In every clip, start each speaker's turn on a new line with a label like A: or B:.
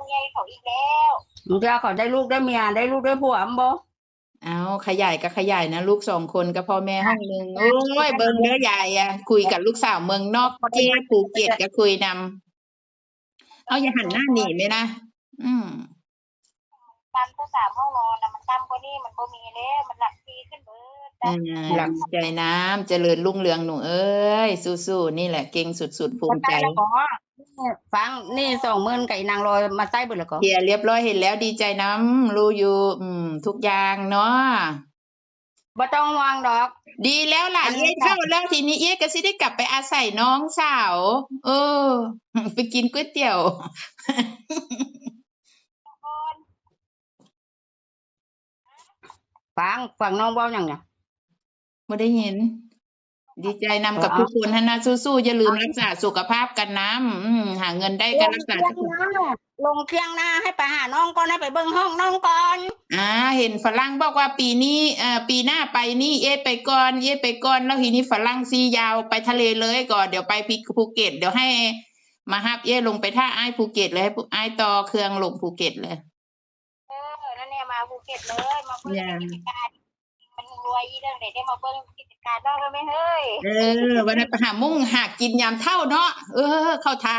A: ใหญ่เขาอีกแล้ว
B: มึงจะเขาได้ลูกได้เมียได้ลูกได้ผัวมั้งบ่
C: เอาขยายก็ขยายนะลูก2 คนกับพ่อแม่ห้องหนึ่งโอ้ยเบิ่งเด้อยายอ่ะคุยกับลูกสาวเมืองนอกเจ้ภูเก็ตก็คุยนำเอาอย่าหันหน้าหนีไหมนะ
A: ตั้มก็3 ห้องนอนนะมันตั้มกว่านี้มันบ่มีแล้วมันหลักปีขึ้นเบิด
C: หลักใจน้ำเจริญรุ่งเรืองหนูเอ้ยสู้ๆนี่แหละเก่งสุดๆภูมิใจ
B: ฟังนี่20,000กับอีนางลอยมาใส่เบิดแล้วก็
C: เคลียร์เรียบร้อยเห็นแล้วดีใจน้ำรู้อยู่ทุกอย่างเนาะ
B: บ่ต้องห่วงดอก
C: ดีแล้วล่ะเย้เข้าแล้วทีนี้เย้ก็สิได้กลับไปอาศัยน้องสาวไปกินก๋วยเตี๋ยว
B: ฟังน้องเว้าหยังเนี่ย
C: บ่ได้เห็นดีใจนำกับทุกคนนะสู้ๆอย่าลืมรักษาสุขภาพกันนะหาเงินได้ก็รักษาสุขภาพ
B: ลงเที่ยงหน้าให้ไปหาน้องก่อนให้ไปเบิ่งห้องน้องก่อน
C: เห็นฝรั่งบอกว่าปีนี้ปีหน้าไปนี่เอ๊ไปก่อนแล้วทีนี้ฝรั่งซียาวไปทะเลเลยก่อนเดี๋ยวไปภูเก็ตเดี๋ยวให้มาฮับเอ๊ลงไปท่าอ้ายภูเก็ตเลยให้อ้ายต่อเครื่องลงภูเก็ตเลย
A: นั่นเนี่ยมาภูเก็ตเลยมาเบิ่งกิจการมันรวยอีเรื่องได้มาเบิ่งกิจการน้องแล้วมั้ยเฮ้ย
C: วันนั้นไปหามุ่งหากินยามเท่าเนาะเข้าทา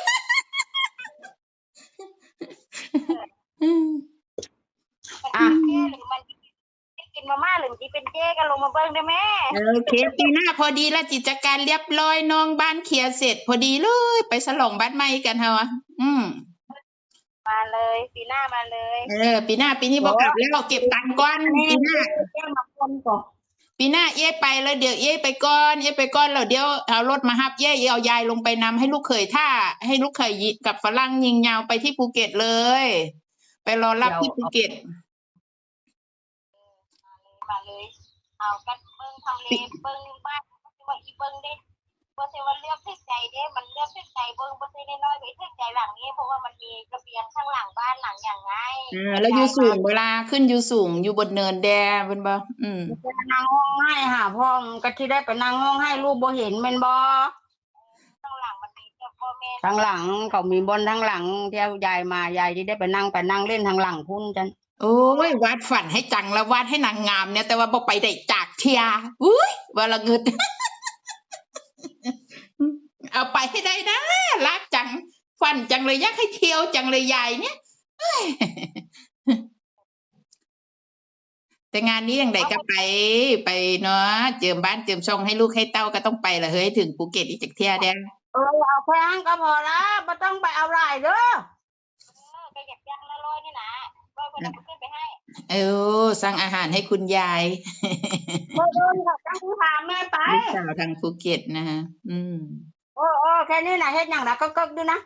A: หรือมันกินมาม่าหรือที่เป็นเจ๊ก็ลงมาเบิ่งได้แม่
C: โอเคปีหน้าพอดีแล้วกิจการเรียบร้อยน้องบ้านเคลียร์เสร็จพอดีเลยไปฉลองบ้านใหม่กันเฮา
A: มาเลยปีหน้ามาเลย
C: ปีหน้าปีนี้บ่กลับแล้วเก็บตังค์ก่อนปีหน้าปีหน้าเอ๊ไปแล้วเดี๋ยวเอ๊ไปก่อนแล้วเดี๋ยวเอารถมารับเอ๊เอายายลงไปนำให้ลูกเขยให้ลูกเขยกับฝรั่งยิงยาวไปที่ภูเก็ตเลยไปรอรับที่ภูเก็ต
A: มาเลยเอากันเบิ่งทำเลเบิ่งบ้านว่าอีเบิ่งได้บ่ใช่ว่าเลือกที่ใจเด้มันเลือกที่ใจเบิ่งบ่ใช่น้อยๆไปที่ใจหลังนี้เพราะว่ามันมีระเบียงข้างหลังบ้านหลังอย่างไง
C: แล้วอยู่สูงเวลาขึ้นอยู่สูงอยู่บนเนินแดงเป็นบ่
B: นั่งห้องให้หาพ่อก็ที่ได้ไปนั่งห้องให้ลูกบ่เห็นแม่นบ่
A: ข้างหลังมันมีเจ้าพ่อแม่
B: ทางหลังเขามีบนทางหลังเที่ยวยายมายายที่ได้ไปนั่งเล่นทางหลังพุ่นจัน
C: โอ้ยวาดฝันให้จังแล้ววาดให้นางงามเนี่ยแต่ว่าบ่ไปได้จากเทียอุ้ยว่าละเงิดเอาไปให้ได้นะรักจังฝันจังเลยอยากให้เที่ยวจังเลยยายเนี่ยแต่งานนี้อย่างไรก็ไปเนาะเจิมบ้านเจิมช่องให้ลูกให้เต้าก็ต้องไปละเฮ้ยถึงภูเก็ตอีกจากเที่ยเด้
B: เอาแพงก็พอละไม่ต้องไปเอาหลายเด้อ
A: ก็อยากย่างละร้อยนี่นะร้อยคนเอาขึ้นไปให้
C: สั่งอาหารให้คุณยาย
B: ค่ะตั้งพาแม่ไป
C: ลูกสาวทางภูเก็ตนะฮะ
B: แค่นี้นะเฮ็ดอย่างละก็ดูนะ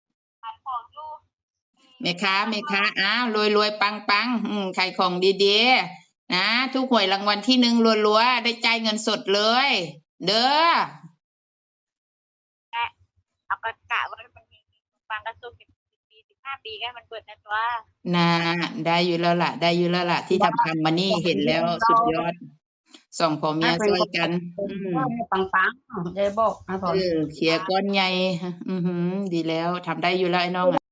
C: แม่ค้ารวยปังขายของดีๆนะทุกหวยรางวัลที่1รัวๆได้จ่ายเงินสดเลยเด้อ
A: เอากะว่ามันมีฟังกระสุน10 ปี15 ปีก็มันเปิดนะตัว
C: ได้อยู่แล้วล่ะที่ทำมานี่เห็นแล้วสุดยอดส่องพ่อเมียช่วยกัน
B: ปังๆได้บอก
C: เคลียร์ก้อนใหญ่ดีแล้วทำได้อยู่แล้วไอ้น้อง